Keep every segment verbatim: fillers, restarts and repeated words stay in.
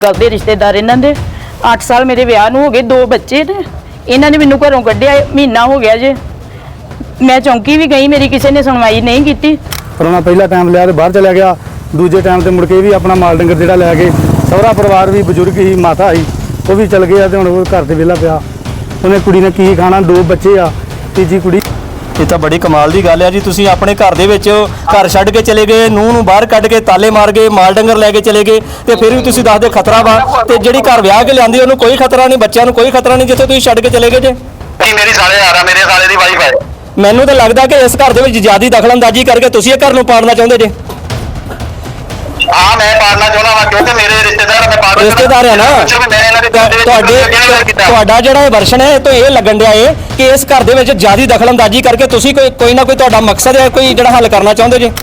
ਕਰਦੇ ਰਿਸ਼ਤੇਦਾਰ ਇਹਨਾਂ ਦੇ ਅੱਠ ਸਾਲ ਮੇਰੇ ਵਿਆਹ ਨੂੰ ਹੋ ਗਏ, ਦੋ ਬੱਚੇ ਨੇ। ਇਹਨਾਂ ਨੇ ਮੈਨੂੰ ਘਰੋਂ ਕੱਢਿਆ, ਮਹੀਨਾ ਹੋ ਗਿਆ ਜੇ। ਮੈਂ ਚੌਂਕੀ ਵੀ ਗਈ, ਮੇਰੀ ਕਿਸੇ ਨੇ ਸੁਣਵਾਈ ਨਹੀਂ ਕੀਤੀ। ਪਰ ਉਹਨਾਂ ਪਹਿਲਾ ਟਾਈਮ ਲਿਆ ਤੇ ਬਾਹਰ ਚਲਿਆ ਗਿਆ, ਦੂਜੇ ਟਾਈਮ ਤੇ ਮੁੜ ਕੇ ਵੀ ਆਪਣਾ ਮਾਲ ਡੰਗਰ ਜਿਹੜਾ ਲੈ ਕੇ, ਸਹੁਰਾ ਪਰਿਵਾਰ ਵੀ ਬਜ਼ੁਰਗ ਹੀ, ਮਾਤਾ ਸੀ, ਉਹ ਵੀ ਚਲ ਗਿਆ ਤੇ ਹੁਣ ਉਹ ਘਰ ਤੇ ਵਿਹਲਾ ਪਿਆ। ਉਹਨੇ ਕੁੜੀ ਨੇ ਕੀ ਖਾਣਾ, ਦੋ ਬੱਚੇ ਆ, ਤੀਜੀ ਕੁੜੀ। ਇਹ ਤਾਂ ਬੜੀ ਕਮਾਲ ਦੀ ਗੱਲ ਹੈ ਜੀ। ਤੁਸੀਂ ਆਪਣੇ ਘਰ ਦੇ ਵਿੱਚ ਘਰ ਛੱਡ ਕੇ ਚਲੇ ਗਏ, ਨੂੰਹ ਨੂੰ ਬਾਹਰ ਕੱਢ ਕੇ ਤਾਲੇ ਮਾਰ ਗਏ, ਮਾਲ ਡੰਗਰ ਲੈ ਕੇ ਚਲੇ ਗਏ, ਤੇ ਫਿਰ ਵੀ ਤੁਸੀਂ ਦੱਸਦੇ ਖਤਰਾ ਵਾ। ਤੇ ਜਿਹੜੀ ਘਰ ਵਿਆਹ ਕੇ ਲਿਆਂਦੀ ਉਹਨੂੰ ਕੋਈ ਖਤਰਾ ਨਹੀਂ, ਬੱਚਿਆਂ ਨੂੰ ਕੋਈ ਖਤਰਾ ਨਹੀਂ, ਜਿੱਥੇ ਤੁਸੀਂ ਛੱਡ ਕੇ ਚਲੇ ਗਏ ਜੇ। ਮੇਰੀ ਸਾਲੇ ਆ ਰਹਾ, ਮੇਰੇ ਸਾਲੇ ਦੀ ਵਾਈਫ ਹੈ। ਮੈਨੂੰ ਤਾਂ ਲੱਗਦਾ ਕਿ ਇਸ ਘਰ ਦੇ ਵਿੱਚ ਜ਼ਿਆਦੀ ਦਖਲਅੰਦਾਜ਼ੀ ਕਰਕੇ ਤੁਸੀਂ ਇਹ ਘਰ ਨੂੰ ਪਾੜਨਾ ਚਾਹੁੰਦੇ ਜੇ। ਹਾਂ, ਮੈਂ ਪਾੜਨਾ ਚਾਹੁੰਦਾ ਵਾ ਕਿਉਂਕਿ ਮੇਰੇ ਰਿਸ਼ਤੇਦਾਰ ਮੈਂ ਪਾੜ ਰਿਸ਼ਤੇਦਾਰ ਆ ਨਾ ਤੁਹਾਡੇ। ਤੁਹਾਡਾ ਜਿਹੜਾ ਇਹ ਵਰਸ਼ਨ ਹੈ ਤੋਂ ਇਹ ਲੱਗਣ ਡਿਆ ਏ ਕਿ ਇਸ ਘਰ ਦੇ ਵਿੱਚ ਜ਼ਿਆਦੀ ਦਖਲਅੰਦਾਜ਼ੀ ਕਰਕੇ ਤੁਸੀਂ ਕੋਈ ਕੋਈ ਨਾ ਕੋਈ ਤੁਹਾਡਾ ਮਕਸਦ ਹੈ, ਕੋਈ ਜਿਹੜਾ ਹੱਲ ਕਰਨਾ ਚਾਹੁੰਦੇ ਜੇ।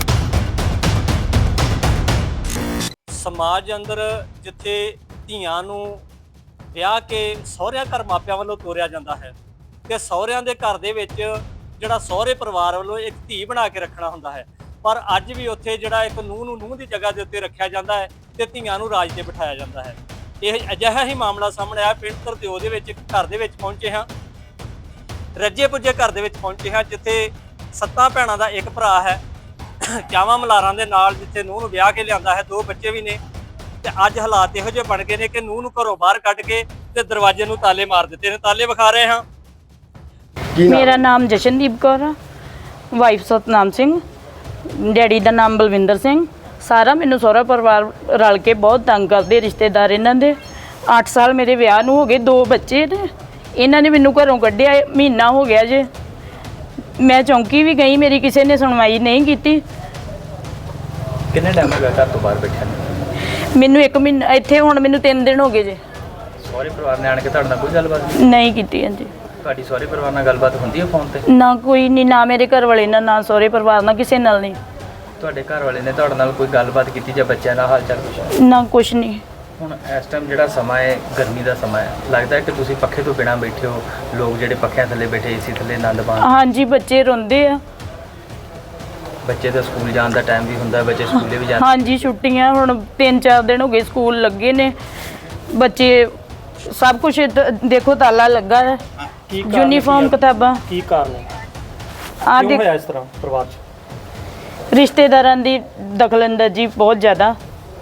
ਸਮਾਜ ਅੰਦਰ ਜਿੱਥੇ ਧੀਆਂ ਨੂੰ ਵਿਆਹ ਕੇ ਸਹੁਰਿਆਂ ਘਰ ਮਾਪਿਆਂ ਵੱਲੋਂ ਤੋਰਿਆ ਜਾਂਦਾ ਹੈ, ਤੇ ਸਹੁਰਿਆਂ ਦੇ ਘਰ ਦੇ ਵਿੱਚ ਜਿਹੜਾ ਸਹੁਰੇ ਪਰਿਵਾਰ ਵੱਲੋਂ ਇੱਕ ਧੀ ਬਣਾ ਕੇ ਰੱਖਣਾ ਹੁੰਦਾ ਹੈ, ਪਰ ਅੱਜ ਵੀ ਉੱਥੇ ਜਿਹੜਾ ਇੱਕ ਨੂੰਹ ਨੂੰ ਨੂੰਹ ਦੀ ਜਗ੍ਹਾ ਦੇ ਉੱਤੇ ਰੱਖਿਆ ਜਾਂਦਾ ਹੈ ਤੇ ਧੀਆਂ ਨੂੰ ਰਾਜ ਤੇ ਬਿਠਾਇਆ ਜਾਂਦਾ ਹੈ। ਇਹ ਅਜਿਹਾ ਹੀ ਮਾਮਲਾ ਸਾਹਮਣੇ ਆਇਆ ਪਿੰਡ ਧਰਦਿਓ ਦੇ ਵਿੱਚ। ਇੱਕ ਘਰ ਦੇ ਵਿੱਚ ਪਹੁੰਚੇ ਹਾਂ, ਰੱਜੇ ਪੁੱਜੇ ਘਰ ਦੇ ਵਿੱਚ ਪਹੁੰਚੇ ਹਾਂ, ਜਿੱਥੇ ਸੱਤਾਂ ਭੈਣਾਂ ਦਾ ਇੱਕ ਭਰਾ ਹੈ, ਚਾਵਾਂ ਮਲਾਰਾਂ ਦੇ ਨਾਲ, ਜਿੱਥੇ ਨੂੰਹ ਨੂੰ ਵਿਆਹ ਕੇ ਲਿਆਂਦਾ ਹੈ, ਦੋ ਬੱਚੇ ਵੀ ਨੇ। ਤੇ ਅੱਜ ਹਾਲਾਤ ਇਹੋ ਜਿਹੇ ਬਣ ਗਏ ਨੇ ਕਿ ਨੂੰਹ ਨੂੰ ਘਰੋਂ ਬਾਹਰ ਕੱਢ ਕੇ ਤੇ ਦਰਵਾਜ਼ੇ ਨੂੰ ਤਾਲੇ ਮਾਰ ਦਿੱਤੇ ਨੇ। ਤਾਲੇ ਵਿਖਾ ਰਹੇ ਹਾਂ। ਮੇਰਾ ਨਾਮ ਜਸ਼ਨਦੀਪ ਕੌਰ ਆ, ਵਾਈਫ ਸਤਨਾਮ ਸਿੰਘ, ਡੈਡੀ ਦਾ ਨਾਮ ਬਲਵਿੰਦਰ ਸਿੰਘ। ਸਾਰਾ ਮੈਨੂੰ ਸਹੁਰਾ ਪਰਿਵਾਰ ਰਲ ਕੇ ਬਹੁਤ ਤੰਗ ਕਰਦੇ, ਰਿਸ਼ਤੇਦਾਰ ਇਹਨਾਂ ਦੇ। ਅੱਠ ਸਾਲ ਮੇਰੇ ਵਿਆਹ ਨੂੰ ਹੋ ਗਏ, ਦੋ ਬੱਚੇ ਨੇ। ਇਹਨਾਂ ਨੇ ਮੈਨੂੰ ਘਰੋਂ ਕੱਢਿਆ, ਮਹੀਨਾ ਹੋ ਗਿਆ ਜੇ। ਮੈਂ ਚੌਂਕੀ ਵੀ ਗਈ, ਮੇਰੀ ਕਿਸੇ ਨੇ ਸੁਣਵਾਈ ਨਹੀਂ ਕੀਤੀ। ਕਿੰਨੇ ਟਾਈਮ ਹੋ ਗਿਆ ਘਰ ਤੋਂ ਬਾਹਰ ਬੈਠਿਆ ਨੂੰ? ਮੈਨੂੰ ਇੱਕ ਮਹੀਨਾ, ਇੱਥੇ ਹੁਣ ਮੈਨੂੰ ਤਿੰਨ ਦਿਨ ਹੋ ਗਏ ਜੇ। ਸਹੁਰੇ ਪਰਿਵਾਰ ਨੇ ਆਣ ਕੇ ਤੁਹਾਡੇ ਨਾਲ ਕੋਈ ਗੱਲਬਾਤ ਨਹੀਂ ਕੀਤੀ ਹਾਂਜੀ। ਤੁਹਾਡੀ ਸਹੁਰੇ ਪਰਿਵਾਰ ਨਾਲ ਗੱਲਬਾਤ ਹੁੰਦੀ ਹੈ ਫੋਨ ਤੇ? ਨਾ ਕੋਈ ਨਹੀਂ, ਨਾ ਮੇਰੇ ਘਰ ਵਾਲੇ ਨਾਲ, ਨਾ ਸਹੁਰੇ ਪਰਿਵਾਰ ਨਾਲ, ਕਿਸੇ ਨਾਲ ਨਹੀਂ। ਤੁਹਾਡੇ ਘਰ ਵਾਲੇ ਨੇ ਤੁਹਾਡੇ ਨਾਲ ਕੋਈ ਗੱਲਬਾਤ ਕੀਤੀ ਜਾਂ ਬੱਚਿਆਂ ਦਾ ਹਾਲ ਚਾਲ ਪੁੱਛਿਆ? ਨਾ ਕੁਛ ਨਹੀਂ। ਹੁਣ ਇਸ ਟਾਈਮ ਜਿਹੜਾ ਸਮਾਂ ਹੈ, ਗਰਮੀ ਦਾ ਸਮਾਂ ਹੈ, ਲੱਗਦਾ ਹੈ ਕਿ ਤੁਸੀਂ ਪੱਖੇ ਤੋਂ ਬਿਨਾਂ ਬੈਠੇ ਹੋ, ਲੋਕ ਜਿਹੜੇ ਪੱਖਿਆਂ ਥੱਲੇ ਬੈਠੇ ਏਸੀ ਥੱਲੇ ਆਨੰਦ ਮਾਣ। ਹਾਂਜੀ, ਬੱਚੇ ਰੋਂਦੇ ਆ। ਬੱਚੇ ਦਾ ਸਕੂਲ ਜਾਣ ਦਾ ਟਾਈਮ ਵੀ ਹੁੰਦਾ, ਬੱਚੇ ਸਕੂਲੇ ਵੀ ਜਾਂਦੇ। ਹਾਂਜੀ, ਛੁੱਟੀਆਂ ਹੁਣ ਤਿੰਨ ਚਾਰ ਦਿਨ ਹੋ ਗਏ, ਸਕੂਲ ਲੱਗੇ ਨੇ। ਬੱਚੇ ਸਭ ਕੁਝ ਦੇਖੋ, ਤਾਲਾ ਲੱਗਾ ਹੈ, ਯੂਨੀਫਾਰਮ, ਕਿਤਾਬਾਂ। ਕੀ ਕਾਰਨ ਹੈ, ਆ ਕਿਉਂ ਹੋਇਆ ਇਸ ਤਰ੍ਹਾਂ ਪਰਿਵਾਰ 'ਚ? ਰਿਸ਼ਤੇਦਾਰਾਂ ਦੀ ਦਖਲਅੰਦਾਜ਼ੀ ਬਹੁਤ ਜ਼ਿਆਦਾ।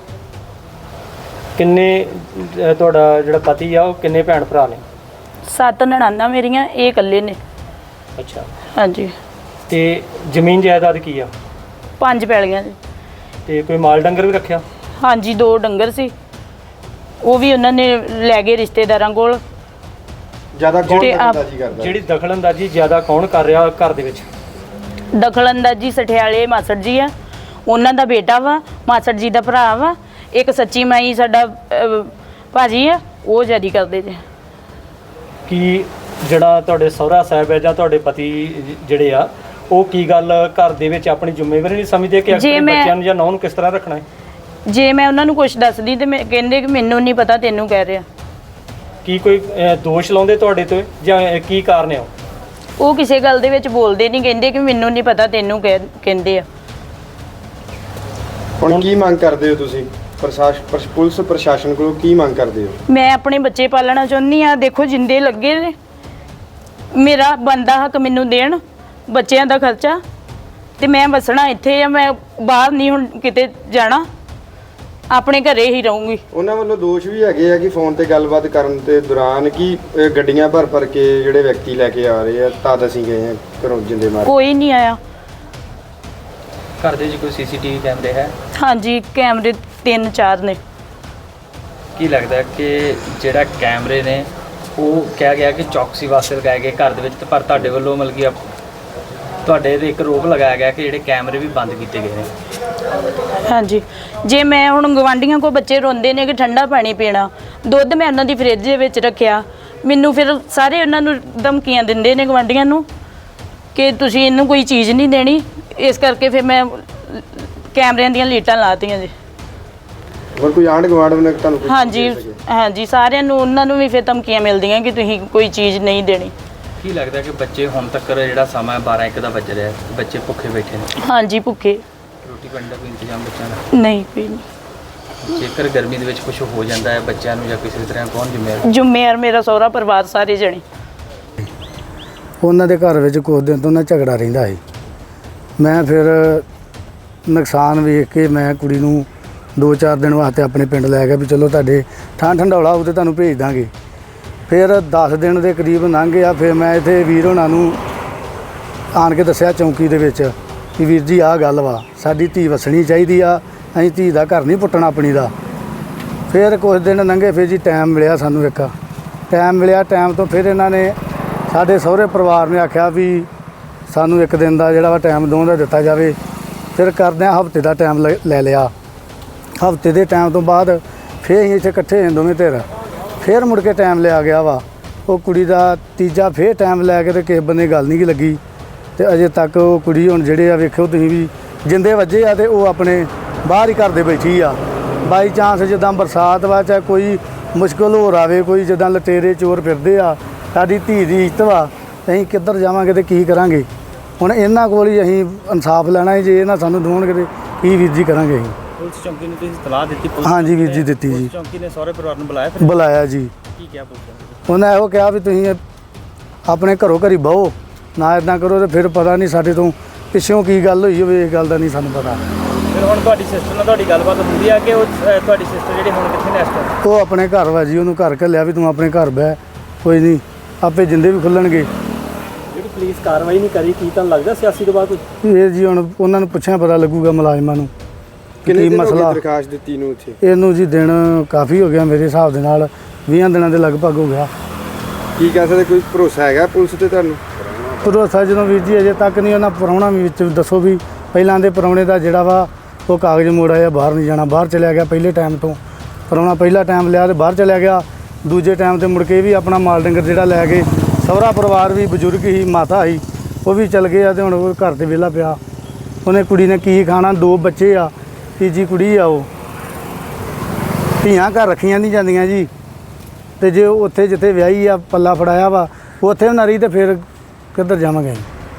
ਕਿੰਨੇ ਤੁਹਾਡਾ ਜਿਹੜਾ ਪਤੀ ਆ ਉਹ ਕਿੰਨੇ ਭੈਣ ਭਰਾ ਨੇ? ਸੱਤ ਨਣਾਨਾਂ ਮੇਰੀਆਂ, ਇਹ ਇਕੱਲੇ ਨੇ। ਅੱਛਾ, ਹਾਂਜੀ। ਤੇ ਜ਼ਮੀਨ ਜਾਇਦਾਦ ਕੀ ਆ? ਪੰਜ ਪੈਲੀਆਂ ਜੀ। ਤੇ ਕੋਈ ਮਾਲ ਡੰਗਰ ਵੀ ਰੱਖਿਆ? ਹਾਂਜੀ, ਦੋ ਡੰਗਰ ਸੀ, ਉਹ ਵੀ ਉਹਨਾਂ ਨੇ ਲੈ ਗਏ ਰਿਸ਼ਤੇਦਾਰਾਂ ਕੋਲ। ਜ਼ਿਆਦਾ ਕੌਣ ਤੇ ਆਪ- ਦਖਲਅੰਦਾਜ਼ੀ ਕਰਦਾ? ਜਿਹੜੀ ਦਖਲਅੰਦਾਜ਼ੀ ਜ਼ਿਆਦਾ ਕੌਣ ਕਰ ਰਿਹਾ ਘਰ ਦੇ ਵਿੱਚ? ਦਖਲਅੰਦਾਜ਼ੀ ਸਠਿਆਲੇ ਮਾਸੜ ਜੀ ਆ, ਉਹਨਾਂ ਦਾ ਬੇਟਾ ਵਾ, ਮਾਸੜ ਜੀ ਦਾ ਭਰਾ ਵਾ, ਇੱਕ ਸੱਚੀ ਮਾਈ ਸਾਡਾ ਅਹ, ਭਾਜੀ ਆ, ਉਹ ਜਾਰੀ ਕਰਦੇ ਜੇ। ਕੀ ਜਿਹੜਾ ਤੁਹਾਡੇ ਸਹੁਰਾ ਸਾਹਿਬ ਹੈ ਜਾਂ ਤੁਹਾਡੇ ਪਤੀ ਜਿਹੜੇ ਆ, ਉਹ ਕੀ ਗੱਲ ਘਰ ਦੇ ਵਿੱਚ ਆਪਣੀ ਜ਼ਿੰਮੇਵਾਰੀ ਨਹੀਂ ਸਮਝਦੇ ਕਿ ਆਪਣੇ ਮੈਂ- ਬੱਚਿਆਂ ਨੂੰ ਜਾਂ ਨੌਂ ਨੂੰ ਕਿਸ ਤਰ੍ਹਾਂ ਰੱਖਣਾ ਹੈ? ਜੇ ਮੈਂ ਉਹਨਾਂ ਨੂੰ ਕੁਛ ਦੱਸਦੀ ਤੇ ਮੈਂ ਕਹਿੰਦੇ ਕਿ ਮੈਨੂੰ ਨਹੀਂ ਪਤਾ, ਤੈਨੂੰ ਕਹਿ ਰਿਹਾ। ਕੀ ਕੋਈ ਅਹ, ਦੋਸ਼ ਲਾਉਂਦੇ ਤੁਹਾਡੇ ਤੇ ਜਾਂ ਇਹ ਕੀ ਕਾਰਨ ਹੈ? ਉਹ ਕਿਸੇ ਗੱਲ ਦੇ ਵਿੱਚ ਬੋਲਦੇ ਨਹੀਂ, ਕਹਿੰਦੇ ਕਿ ਮੈਨੂੰ ਨਹੀਂ ਪਤਾ, ਤੈਨੂੰ ਕਹਿ ਕਹਿੰਦੇ ਆ। ਹੁਣ ਕੀ ਮੰਗ ਕਰਦੇ ਹੋ ਤੁਸੀਂ ਪ੍ਰਸ਼ਾਸਨ, ਪੁਲਿਸ ਪ੍ਰਸ਼ਾਸਨ ਕੋਲੋਂ ਕੀ ਮੰਗ ਕਰਦੇ ਹੋ? ਮੈਂ ਆਪਣੇ ਬੱਚੇ ਪਾਲਣਾ ਚਾਹੁੰਦੀ ਆ। ਦੇਖੋ ਜਿੰਦੇ ਲੱਗੇ ਨੇ, ਮੇਰਾ ਬੰਦਾ ਹੱਕ ਮੈਨੂੰ ਦੇਣ, ਬੱਚਿਆਂ ਦਾ ਖਰਚਾ। ਤੇ ਮੈਂ ਵਸਣਾ ਇੱਥੇ ਆ, ਮੈਂ ਬਾਹਰ ਨਹੀਂ ਹੁਣ ਕਿਤੇ ਜਾਣਾ, ਆਪਣੇ ਘਰੇ ਹੀ ਰਹੂੰਗੀ। ਉਹਨਾਂ ਵੱਲੋਂ ਦੋਸ਼ ਵੀ ਹੈਗੇ ਆ ਕਿ ਫੋਨ ਤੇ ਗੱਲਬਾਤ ਕਰਨ ਦੇ ਦੌਰਾਨ ਕਿ ਇਹ ਗੱਡੀਆਂ ਭਰ ਭਰ ਕੇ ਜਿਹੜੇ ਵਿਅਕਤੀ ਲੈ ਕੇ ਆ ਰਹੇ ਆ, ਤਦ ਅਸੀਂ ਗਏ ਆ ਘਰੋਂ ਜਿੰਦੇ ਮਾਰ। ਕੋਈ ਨਹੀਂ ਆਇਆ। ਘਰ ਦੇ ਵਿੱਚ ਕੋਈ ਸੀਸੀਟੀਵੀ ਕੈਮਰੇ ਹੈ? ਹਾਂਜੀ, ਕੈਮਰੇ ਤਿੰਨ ਚਾਰ ਨੇ। ਕੀ ਲੱਗਦਾ ਹੈ ਕਿ ਜਿਹੜਾ ਕੈਮਰੇ ਨੇ ਉਹ ਕਿਹਾ ਗਿਆ ਕਿ ਚੌਕਸੀ ਵਾਸਤੇ ਲਗਾਏ ਗਏ ਘਰ ਦੇ ਵਿੱਚ, ਤੇ ਪਰ ਤੁਹਾਡੇ ਵੱਲੋਂ ਮਤਲਬ ਕਿ ਤੁਹਾਡੇ ਤੇ ਇੱਕ ਰੋਕ ਲਗਾਇਆ ਗਿਆ ਕਿ ਜਿਹੜੇ ਕੈਮਰੇ ਵੀ ਬੰਦ ਕੀਤੇ ਗਏ ਨੇ? ਹਾਂਜੀ, ਜੇ ਮੈਂ ਹੁਣ ਗਵਾਂਢੀਆਂ ਕੋ ਬੱਚੇ ਰੋਂਦੇ ਨੇ ਕਿ ਠੰਡਾ ਪਾਣੀ ਪੀਣਾ, ਦੁੱਧ ਮੈਂ ਉਹਨਾਂ ਦੀ ਫਰਿੱਜ ਦੇ ਵਿੱਚ ਰੱਖਿਆ, ਮੈਨੂੰ ਫਿਰ ਸਾਰੇ ਉਹਨਾਂ ਨੂੰ ਧਮਕੀਆਂ ਦਿੰਦੇ ਨੇ ਗਵਾਂਢੀਆਂ ਨੂੰ ਕਿ ਤੁਸੀਂ ਇਹਨੂੰ ਕੋਈ ਚੀਜ਼ ਨਹੀਂ ਦੇਣੀ। ਇਸ ਕਰਕੇ ਫਿਰ ਮੈਂ ਕੈਮਰਿਆਂ ਦੀਆਂ ਲੀਟਾਂ ਲਾਤੀਆਂ ਜੀ। ਹੋਰ ਕੋਈ ਆਂਢ ਗੁਆਂਢ ਨੇ ਤੁਹਾਨੂੰ ਕੁਛ ਹਾਂਜੀ ਦੇ ਸਕੇ? ਹਾਂਜੀ, ਸਾਰਿਆਂ ਨੂੰ, ਉਹਨਾਂ ਨੂੰ ਵੀ ਫਿਰ ਧਮਕੀਆਂ ਮਿਲਦੀਆਂ ਕਿ ਤੁਸੀਂ ਕੋਈ ਚੀਜ਼ ਨਹੀਂ ਦੇਣੀ। ਕੀ ਲੱਗਦਾ ਕਿ ਬੱਚੇ ਹੁਣ ਤੱਕ ਜਿਹੜਾ ਸਮਾਂ ਬਾਰਾਂ ਇੱਕ ਦਾ ਵੱਜ ਰਿਹਾ, ਬੱਚੇ ਭੁੱਖੇ ਬੈਠੇ ਨੇ? ਹਾਂਜੀ, ਭੁੱਖੇ। ਰੋਟੀ ਪਾਣੀ ਦਾ ਕੋਈ ਇੰਤਜ਼ਾਮ ਬੱਚਿਆਂ ਦਾ ਨਹੀਂ, ਕੋਈ ਨਹੀਂ। ਜੇਕਰ ਗਰਮੀ ਦੇ ਵਿੱਚ ਕੁਝ ਹੋ ਜਾਂਦਾ ਹੈ ਬੱਚਿਆਂ ਨੂੰ ਜਾਂ ਕਿਸੇ ਤਰ੍ਹਾਂ ਕੌਣ ਜ਼ਿੰਮੇਵਾਰ? ਜ਼ਿੰਮੇਵਾਰ ਮੇਰਾ ਸਹੁਰਾ ਪਰਿਵਾਰ ਸਾਰੇ ਜਣੇ। ਉਹਨਾਂ ਦੇ ਘਰ ਵਿੱਚ ਕੁਝ ਦਿਨ ਤੋਂ ਨਾ ਝਗੜਾ ਰਹਿੰਦਾ ਸੀ। ਮੈਂ ਫਿਰ ਨੁਕਸਾਨ ਵੇਖ ਕੇ ਮੈਂ ਕੁੜੀ ਨੂੰ ਦੋ ਚਾਰ ਦਿਨ ਵਾਸਤੇ ਆਪਣੇ ਪਿੰਡ ਲੈ ਗਿਆ ਵੀ ਚਲੋ ਤੁਹਾਡੇ ਠਾਂ ਠੰਡੌਲਾ ਹੋਊ ਤੇ ਤੁਹਾਨੂੰ ਭੇਜ ਦਾਂਗੇ। ਫਿਰ ਦਸ ਦਿਨ ਦੇ ਕਰੀਬ ਲੰਘ ਗਿਆ। ਫਿਰ ਮੈਂ ਇੱਥੇ ਵੀਰ ਹੋਣਾ ਨੂੰ ਆਣ ਕੇ ਦੱਸਿਆ ਚੌਂਕੀ ਦੇ ਵਿੱਚ ਕਿ ਵੀਰ ਜੀ ਆਹ ਗੱਲ ਵਾ, ਸਾਡੀ ਧੀ ਵਸਣੀ ਚਾਹੀਦੀ ਆ, ਅਸੀਂ ਧੀ ਦਾ ਘਰ ਨਹੀਂ ਪੁੱਟਣਾ ਆਪਣੀ ਦਾ। ਫਿਰ ਕੁਝ ਦਿਨ ਲੰਘੇ। ਫਿਰ ਜੀ ਟਾਈਮ ਮਿਲਿਆ ਸਾਨੂੰ, ਇੱਕ ਟਾਈਮ ਮਿਲਿਆ। ਟਾਈਮ ਤੋਂ ਫਿਰ ਇਹਨਾਂ ਨੇ ਸਾਡੇ ਸਹੁਰੇ ਪਰਿਵਾਰ ਨੇ ਆਖਿਆ ਵੀ ਸਾਨੂੰ ਇੱਕ ਦਿਨ ਦਾ ਜਿਹੜਾ ਵਾ ਟਾਈਮ ਦੋਵਾਂ ਦਾ ਦਿੱਤਾ ਜਾਵੇ। ਫਿਰ ਕਰਦਿਆਂ ਹਫ਼ਤੇ ਦਾ ਟਾਈਮ ਲੈ ਲੈ ਲਿਆ। ਹਫ਼ਤੇ ਦੇ ਟਾਈਮ ਤੋਂ ਬਾਅਦ ਫਿਰ ਅਸੀਂ ਇੱਥੇ ਇਕੱਠੇ ਹੋਏ ਦੋਵੇਂ ਧਿਰ। ਫਿਰ ਮੁੜ ਕੇ ਟਾਈਮ ਲਿਆ ਗਿਆ ਵਾ। ਉਹ ਕੁੜੀ ਦਾ ਤੀਜਾ ਫਿਰ ਟਾਈਮ ਲੈ ਕੇ ਤੇ ਕਿਸੇ ਬੰਨੇ ਗੱਲ ਨਹੀਂ ਗੀ ਲੱਗੀ ਤੇ ਅਜੇ ਤੱਕ ਉਹ ਕੁੜੀ ਹੁਣ ਜਿਹੜੇ ਆ ਵੇਖਿਓ ਤੁਸੀਂ ਵੀ ਜਿੰਦੇ ਵੱਜੇ ਆ ਤੇ ਉਹ ਆਪਣੇ ਬਾਹਰ ਹੀ ਘਰ ਦੇ ਬੈਠੀ ਆ। ਬਾਈ ਚਾਂਸ ਜਿੱਦਾਂ ਬਰਸਾਤ ਵਾ ਚਾਹੇ ਕੋਈ ਮੁਸ਼ਕਲ ਹੋਰ ਆਵੇ, ਕੋਈ ਜਿੱਦਾਂ ਲਟੇਰੇ ਚੋਰ ਫਿਰਦੇ ਆ, ਸਾਡੀ ਧੀ ਦੀ ਇੱਜ਼ਤ ਵਾ, ਅਸੀਂ ਕਿੱਧਰ ਜਾਵਾਂਗੇ ਤੇ ਕੀ ਕਰਾਂਗੇ? ਹੁਣ ਇਹਨਾਂ ਕੋਲ ਹੀ ਅਸੀਂ ਇਨਸਾਫ ਲੈਣਾ ਹੈ। ਜੇ ਇਹਨਾਂ ਸਾਨੂੰ ਦਵਾਉਣਗੇ ਤੇ ਕੀ ਵੀਰ ਜੀ ਕਰਾਂਗੇ ਅਸੀਂ? ਪੁਲਿਸ ਚੌਂਕੀ ਨੂੰ ਤੁਸੀਂ ਸਲਾਹ ਦਿੱਤੀ? ਪੁਲਿਸ ਹਾਂਜੀ ਵੀਰ ਜੀ ਦਿੱਤੀ ਜੀ। ਪੁਲਿਸ ਚੌਂਕੀ ਨੇ ਸਹੁਰੇ ਪਰਿਵਾਰ ਨੂੰ ਬੁਲਾਇਆ? ਫਿਰ ਬੁਲਾਇਆ ਜੀ। ਕੀ ਕਿਹਾ ਪੁਲਿਸ ਨੇ? ਉਹਨਾਂ ਇਹੋ ਕਿਹਾ ਵੀ ਤੁਸੀਂ ਆਪਣੇ ਘਰੋਂ ਘਰੀ ਬਹੋ, ਨਾ ਇਦਾਂ ਕਰੋ। ਤੇ ਫਿਰ ਪਤਾ ਨਹੀਂ ਸਾਡੇ ਤੋਂ ਪਿੱਛੋਂ ਕੀ ਗੱਲ ਹੋਈ ਹੋਵੇ, ਇਸ ਗੱਲ ਦਾ ਨਹੀਂ ਸਾਨੂੰ ਪਤਾ। ਫਿਰ ਹੁਣ ਤੁਹਾਡੀ ਸਿਸਟਰ ਨਾਲ ਤੁਹਾਡੀ ਗੱਲਬਾਤ ਹੁੰਦੀ ਆ ਕਿ ਉਹ ਅ, ਤੁਹਾਡੀ ਸਿਸਟਰ ਜਿਹੜੀ ਹੁਣ ਕਿੱਥੇ ਨੇ ਇਸ ਟਾਈਮ? ਉਹ ਆਪਣੇ ਘਰ ਵਾ ਜੀ, ਉਹਨੂੰ ਘਰ ਘੱਲਿਆ ਵੀ ਤੂੰ ਆਪਣੇ ਘਰ ਬਹਿ, ਕੋਈ ਨਹੀਂ ਆਪੇ ਜਿੰਦੇ ਵੀ ਖੁੱਲਣਗੇ। ਜਿਹੜੀ ਪੁਲਿਸ ਕਾਰਵਾਈ ਨਹੀਂ ਕਰੀ, ਕੀ ਤੁਹਾਨੂੰ ਲੱਗਦਾ ਸਿਆਸੀ ਦਬਾਅ ਕੋਈ? ਇਹ ਜੀ ਹੁਣ ਉਹਨਾਂ ਨੂੰ ਪੁੱਛਿਆ ਪਤਾ ਲੱਗੂਗਾ ਮੁਲਾਜ਼ਮਾਂ ਨੂੰ ਕਿੰਨੇ ਕੀ ਦਿਨ ਹੋ ਗਏ ਮਸਲਾ। ਦਰਖਾਸਤ ਦਿੱਤੀ ਨੂੰ ਇੱਥੇ? ਇਹਨੂੰ ਜੀ ਦਿਨ ਕਾਫੀ ਹੋ ਗਿਆ, ਮੇਰੇ ਹਿਸਾਬ ਦੇ ਨਾਲ ਵੀਹ ਦਿਨਾਂ ਦੇ ਲਗਭਗ ਹੋ ਗਿਆ। ਕੀ ਕਹਿ ਸਕਦੇ, ਕੋਈ ਭਰੋਸਾ ਹੈਗਾ ਪੁਲਿਸ ਤੇ ਤੁਹਾਨੂੰ? ਭਰੋਸਾ ਜਦੋਂ ਵੀਰ ਜੀ ਅਜੇ ਤੱਕ ਨਹੀਂ। ਉਹਨਾਂ ਪ੍ਰਾਹੁਣਾ ਵੀ ਵਿੱਚ ਦੱਸੋ ਵੀ ਪਹਿਲਾਂ ਦੇ ਪ੍ਰਾਹੁਣੇ ਦਾ ਜਿਹੜਾ ਵਾ ਉਹ ਕਾਗਜ਼ ਮੋੜ ਆਇਆ, ਬਾਹਰ ਨਹੀਂ ਜਾਣਾ, ਬਾਹਰ ਚਲਿਆ ਗਿਆ। ਪਹਿਲੇ ਟਾਈਮ ਤੋਂ ਪ੍ਰਾਹੁਣਾ ਪਹਿਲਾ ਟਾਈਮ ਲਿਆ ਤੇ ਬਾਹਰ ਚਲਿਆ ਗਿਆ। ਦੂਜੇ ਟਾਈਮ ਤੇ ਮੁੜ ਕੇ ਵੀ ਆਪਣਾ ਮਾਲ ਡੰਗਰ ਜਿਹੜਾ ਲੈ ਕੇ, ਸਹੁਰਾ ਪਰਿਵਾਰ ਵੀ ਬਜ਼ੁਰਗ ਹੀ, ਮਾਤਾ ਸੀ, ਉਹ ਵੀ ਚਲ ਗਏ ਆ ਤੇ ਹੁਣ ਉਹ ਘਰ ਤੇ ਵਿਹਲਾ ਪਿਆ। ਉਹਨੇ ਕੁੜੀ ਨੇ ਕੀ ਖਾਣਾ? ਦੋ ਬੱਚੇ ਆ, ਤੀਜੀ ਕੁੜੀ ਆ। ਉਹ ਧੀਆਂ ਘਰ ਰੱਖੀਆਂ ਨਹੀਂ ਜਾਂਦੀਆਂ ਜੀ। ਤੇ ਜੇ ਉਹ ਉੱਥੇ ਜਿੱਥੇ ਵਿਆਹੀ ਆ ਪੱਲਾ ਫੜਾਇਆ ਵਾ ਉੱਥੇ ਨਾ ਰਹੀ ਤੇ ਫਿਰ ਕਿੱਧਰ ਜਾਵਾਂਗੇ?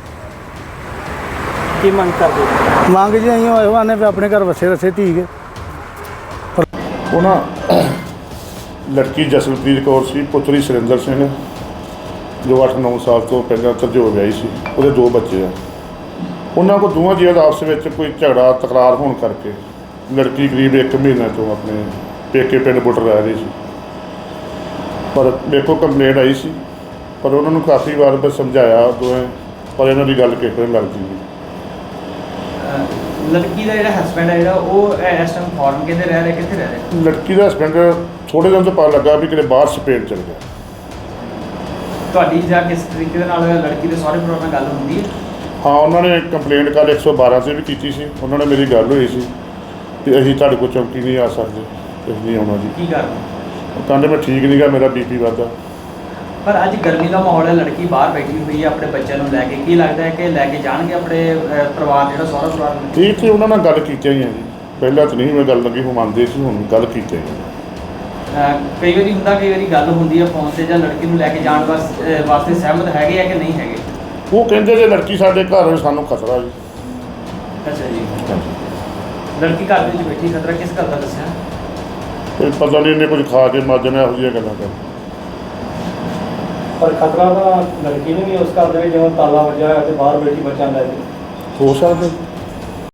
ਕੀ ਮੰਗ ਕਰਦੇ ਹੋ? ਮੰਗ ਜੀ ਅਸੀਂ ਹੋਏ ਆਨੇ ਵੀ ਆਪਣੇ ਘਰ ਵਸੇ ਰਸੇ ਧੀ ਕੇ। ਉਹ ਨਾ ਲੜਕੀ ਜਸਲਪ੍ਰੀਤ ਕੌਰ ਸੀ, ਪੁੱਤਰੀ ਸੁਰਿੰਦਰ ਸਿੰਘ, ਜੋ ਅੱਠ ਨੌ ਸਾਲ ਤੋਂ ਪਹਿਲਾਂ ਤਰਜੋਰ ਵਿਆਹੀ ਸੀ। ਉਹਦੇ ਦੋ ਬੱਚੇ ਆ। ਉਹਨਾਂ ਕੋਲ ਦੋਵਾਂ ਜੀਆਂ ਦਾ ਆਪਸ ਵਿੱਚ ਕੋਈ ਝਗੜਾ ਤਕਰਾਰ ਹੋਣ ਕਰਕੇ ਲੜਕੀ ਕਰੀਬ ਇੱਕ ਮਹੀਨੇ ਤੋਂ ਆਪਣੇ ਪੇਕੇ ਪਿੰਡ ਬੁੱਟਰ ਰਹਿ ਰਹੀ ਸੀ। ਪਰ ਮੇਰੇ ਕੋਲ ਕੰਪਲੇਂਟ ਆਈ ਸੀ, ਪਰ ਉਹਨਾਂ ਨੂੰ ਕਾਫੀ ਵਾਰ ਮੈਂ ਸਮਝਾਇਆ ਦੋਵੇਂ, ਪਰ ਇਹਨਾਂ ਦੀ ਗੱਲ ਕਿਸੇ ਨੂੰ ਲੱਗਦੀ ਨਹੀਂ। ਲੜਕੀ ਦਾ ਜਿਹੜਾ ਹਸਬੈਂਡ ਹੈ ਜਿਹੜਾ ਉਹ ਇਸ ਟਾਈਮ ਫੋਰਨ ਕਿਤੇ ਰਹਿ ਰਿਹਾ, ਕਿੱਥੇ ਰਹਿ ਰਿਹਾ? ਲੜਕੀ ਦਾ ਹਸਬੈਂਡ ਥੋੜ੍ਹੇ ਦਿਨ ਤੋਂ ਪਤਾ ਲੱਗਾ ਵੀ ਕਿਤੇ ਬਾਹਰ ਸਪੇਨ ਚਲ ਗਿਆ। ਤੁਹਾਡੀ ਜਾਂ ਕਿਸ ਤਰੀਕੇ ਦੇ ਨਾਲ ਲੜਕੀ ਦੇ ਸਹੁਰੇ ਪਰਿਵਾਰ ਨਾਲ ਗੱਲ ਹੁੰਦੀ ਹੈ? ਹਾਂ, ਉਹਨਾਂ ਨੇ ਕੰਪਲੇਂਟ ਕੱਲ੍ਹ ਇੱਕ ਸੌ ਬਾਰਾਂ 'ਤੇ ਵੀ ਕੀਤੀ ਸੀ। ਉਹਨਾਂ ਨੇ ਮੇਰੀ ਗੱਲ ਹੋਈ ਸੀ ਕਿ ਅਸੀਂ ਤੁਹਾਡੇ ਕੋਲ ਚੌਂਕੀ ਨਹੀਂ ਆ ਸਕਦੇ, ਅਸੀਂ ਨਹੀਂ ਆਉਣਾ ਜੀ। ਕੀ ਕਾਰਨ? ਉਹ ਕਹਿੰਦੇ ਮੈਂ ਠੀਕ ਨਹੀਂ ਗਾ, ਮੇਰਾ ਬੀ ਪੀ ਵੱਧਦਾ। ਪਰ ਅੱਜ ਗਰਮੀ ਦਾ ਮਾਹੌਲ ਹੈ, ਲੜਕੀ ਬਾਹਰ ਬੈਠੀ ਹੋਈ ਹੈ ਆਪਣੇ ਬੱਚਿਆਂ ਨੂੰ ਲੈ ਕੇ, ਕੀ ਲੱਗਦਾ ਹੈ ਕਿ ਲੈ ਕੇ ਜਾਣਗੇ ਆਪਣੇ ਅ, ਪਰਿਵਾਰ ਜਿਹੜਾ ਸਹੁਰਾ ਪਰਿਵਾਰ ਨੂੰ? ਠੀਕ ਸੀ, ਉਹਨਾਂ ਨਾਲ ਗੱਲ ਕੀਤੀ ਹੀ ਆ ਜੀ। ਪਹਿਲਾਂ ਤਾਂ ਨਹੀਂ ਮੈਂ ਗੱਲ ਲੱਗੀ, ਉਹ ਮੰਨਦੇ ਸੀ, ਹੁਣ ਗੱਲ ਕੀਤੀ ਹੀ ਆ। ਅ, ਕਈ ਵਾਰੀ ਹੁੰਦਾ, ਕਈ ਵਾਰੀ ਗੱਲ ਹੁੰਦੀ ਹੈ ਫੋਨ 'ਤੇ, ਜਾਂ ਲੜਕੀ ਨੂੰ ਲੈ ਕੇ ਜਾਣ ਵਾਸਤੇ ਵਾਸਤੇ ਸਹਿਮਤ ਹੈਗੇ ਆ ਕਿ ਨਹੀਂ ਹੈਗੇ? ਉਹ ਕਹਿੰਦੇ ਜੇ ਲੜਕੀ ਸਾਡੇ ਘਰ ਸਾਨੂੰ ਖਤਰਾ ਜੀ। ਅੱਛਾ ਜੀ। ਲੜਕੀ ਘਰ ਦੇ ਵਿੱਚ ਬੈਠੀ, ਖਤਰਾ ਕਿਸ ਗੱਲ ਦਾ ਦੱਸਿਆ? ਕੋਈ ਪਤਾ ਨਹੀਂ, ਇਹਨੇ ਕੁਝ ਖਾ ਕੇ ਮਰ ਜਾਣਾ, ਇਹੋ ਜਿਹੀਆਂ ਗੱਲਾਂ ਕਰ। ਪਰ ਖਤਰਾ ਤਾਂ ਲੜਕੀ ਨੂੰ ਵੀ ਉਸ ਘਰ ਦੇ ਵਿੱਚ ਜਿਵੇਂ ਤਾਲਾ ਵੱਜਿਆ ਹੋਇਆ ਤੇ ਬਾਹਰ ਬੈਠੀ ਬੱਚਿਆਂ ਦਾ। ਹੋ ਸਕਦਾ